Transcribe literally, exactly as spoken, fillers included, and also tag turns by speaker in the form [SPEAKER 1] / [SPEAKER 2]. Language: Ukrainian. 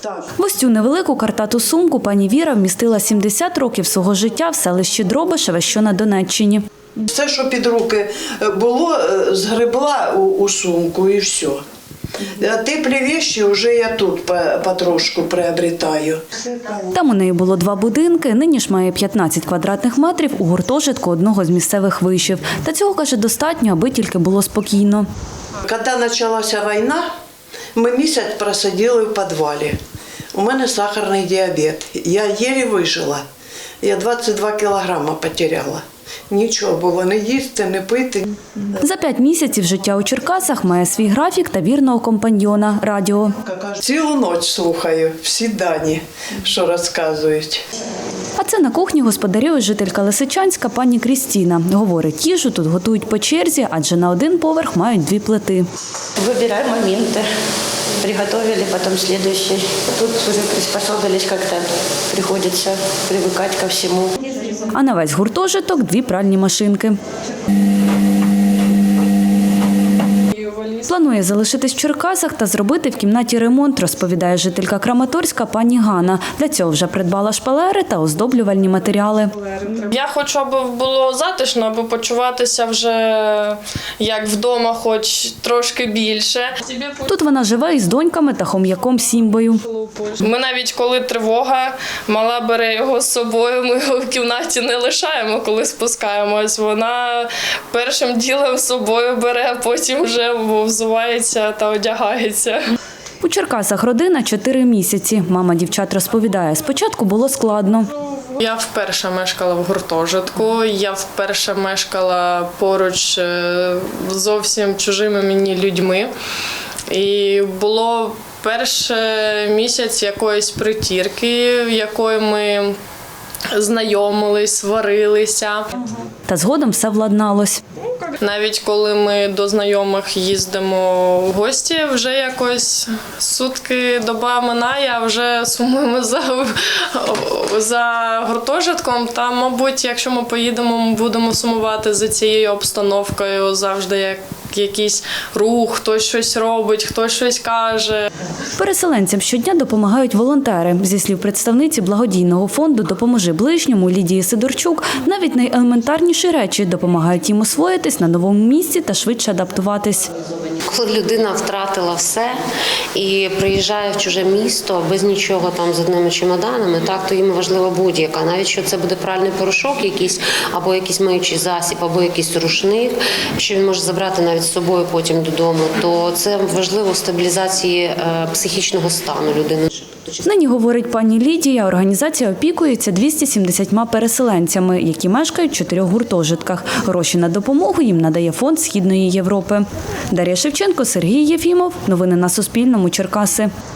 [SPEAKER 1] В ось цю невелику картату сумку пані Віра вмістила сімдесят років свого життя в селищі Дробишеве, що на Донеччині.
[SPEAKER 2] Все, що під руки було, згребла у, у сумку і все. А теплі речі вже я тут потрошку приобретаю.
[SPEAKER 1] Там у неї було два будинки, нині ж має п'ятнадцять квадратних метрів у гуртожитку одного з місцевих вишів. Та цього, каже, достатньо, аби тільки було спокійно.
[SPEAKER 2] Коли почалася війна, ми місяць просиділи в підвалі. У мене сахарний діабет. Я єлі вижила. Я двадцять два кілограми потеряла. Нічого було, не їсти, не пити.
[SPEAKER 1] За п'ять місяців життя у Черкасах має свій графік та вірного компаньйона – радіо.
[SPEAKER 2] Цілу ніч слухаю всі дані, що розказують.
[SPEAKER 1] А це на кухні господарює жителька Лисичанська пані Крістіна. Говорить, їжу тут готують по черзі, адже на один поверх мають дві плити.
[SPEAKER 3] Выбираем моменты. Приготовили, потом следующий. Тут уже приспособились как-то. Приходится привыкать ко всему.
[SPEAKER 1] А на весь гуртожиток – дві пральні машинки. Планує залишитись в Черкасах та зробити в кімнаті ремонт, розповідає жителька Краматорська пані Ганна. Для цього вже придбала шпалери та оздоблювальні матеріали.
[SPEAKER 4] Я хочу, аби було затишно, аби почуватися вже як вдома, хоч трошки більше.
[SPEAKER 1] Тут вона живе із доньками та хом'яком Сімбою.
[SPEAKER 4] Ми навіть коли тривога, мала бере його з собою, ми його в кімнаті не лишаємо, коли спускаємось. Вона першим ділом з собою бере, а потім вже взувається та одягається.
[SPEAKER 1] У Черкасах родина чотири місяці. Мама дівчат розповідає, спочатку було складно.
[SPEAKER 4] Я вперше мешкала в гуртожитку, я вперше мешкала поруч з зовсім чужими мені людьми. І було перший місяць якоїсь притірки, якою ми знайомились, сварилися.
[SPEAKER 1] Та згодом все владналось.
[SPEAKER 4] Навіть коли ми до знайомих їздимо в гості, вже якось сутки, доба минає, а вже сумуємо за, за гуртожитком. Та, мабуть, якщо ми поїдемо, ми будемо сумувати за цією обстановкою, завжди як якийсь рух, хтось щось робить, хтось щось каже.
[SPEAKER 1] Переселенцям щодня допомагають волонтери. Зі слів представниці благодійного фонду «Допоможи ближньому» Лідії Сидорчук, навіть найелементарніші речі допомагають їм освоїтись на новому місці та швидше адаптуватись.
[SPEAKER 5] Коли людина втратила все і приїжджає в чуже місто без нічого там з одними чемоданами, так, то їм важлива будь-яка. Навіть що це буде пральний порошок якийсь, або якийсь миючий засіб, або якийсь рушник, що він може забрати навіть з собою потім додому, то це важливо в стабілізації психічного стану людини.
[SPEAKER 1] Нині, говорить пані Лідія, організація опікується двома сімдесятьма переселенцями, які мешкають в чотирьох гуртожитках. Гроші на допомогу їм надає фонд Східної Європи. Дар'я Шевченко, Сергій Єфімов. Новини на Суспільному. Черкаси.